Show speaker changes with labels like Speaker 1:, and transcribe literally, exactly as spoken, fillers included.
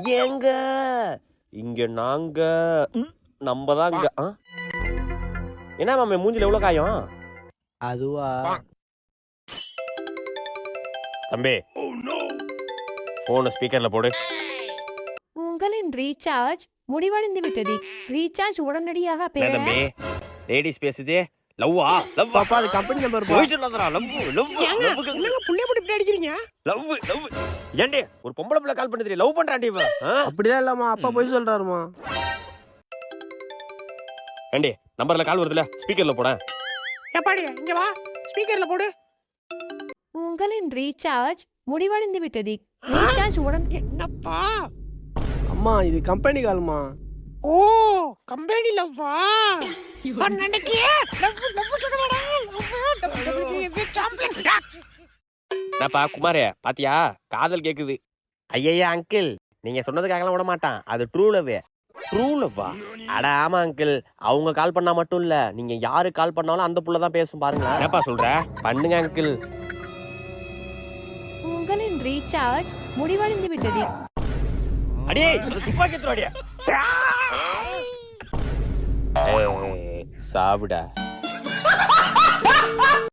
Speaker 1: ஏங்க இங்க நாங்க நம்ம தான் இங்க. என்ன மாமே மூஞ்சில எவ்வளவு காயம்?
Speaker 2: அதுவா
Speaker 1: தம்பி போன ஸ்பீக்கர்ல போடு.
Speaker 3: உங்களின் ரீசார்ஜ் முடிவடைந்து விட்டது. ரீசார்ஜ் உடனடியாக பெற
Speaker 1: தம்பி லேடிஸ் பேசுதே. லவ்வா லவ்
Speaker 2: பாப்பா அது கம்பெனி நம்பர்
Speaker 1: போய் சொல்லாதடா. லவ் லவ்
Speaker 2: என்னங்க புள்ளைய போட்டு இப்படி அடிக்கிறீங்க?
Speaker 1: லவ் லவ் ஏண்டி ஒரு பொம்பளை பிள்ளை கால் பண்ணி லவ் பண்றான்டி இவ.
Speaker 2: அப்படிதான் இல்லம்மா, அப்பா போய் சொல்றாருமா.
Speaker 1: ஏண்டி நம்பர்ல கால் வருதுல ஸ்பீக்கர்ல போட.
Speaker 2: ஏப்பாடி இங்க வா, ஸ்பீக்கர்ல போடு.
Speaker 3: உங்களின் ரீசார்ஜ் முடிவடைந்து விட்டது. ரீசார்ஜ் உடன்
Speaker 2: என்னப்பா அம்மா இது கம்பெனி கால்மா. ஓ கம்பெனி லவ்வா?
Speaker 1: என்னப்பா குமாரே பாத்தியா காதல் கேக்குது. ஐயா அங்கிள் நீங்க சொன்னதுக்காகலாம் விட மாட்டான். அது ட்ரூ லவ். ட்ரூ லவ்வா? அட ஆமா அங்கிள். அவங்க கால் பண்ணா மட்டும் இல்ல, நீங்க யாரு கால் பண்ணாலும் அந்த புள்ள தான் பேசும் பாருங்க. என்னப்பா சொல்ற? பண்ணுங்க அங்கிள்.
Speaker 3: உங்களின் ரீசார்ஜ் முடிவடைந்து விட்டது.
Speaker 1: அடே துப்பாக்கி எடுத்துடா. சாவுடா.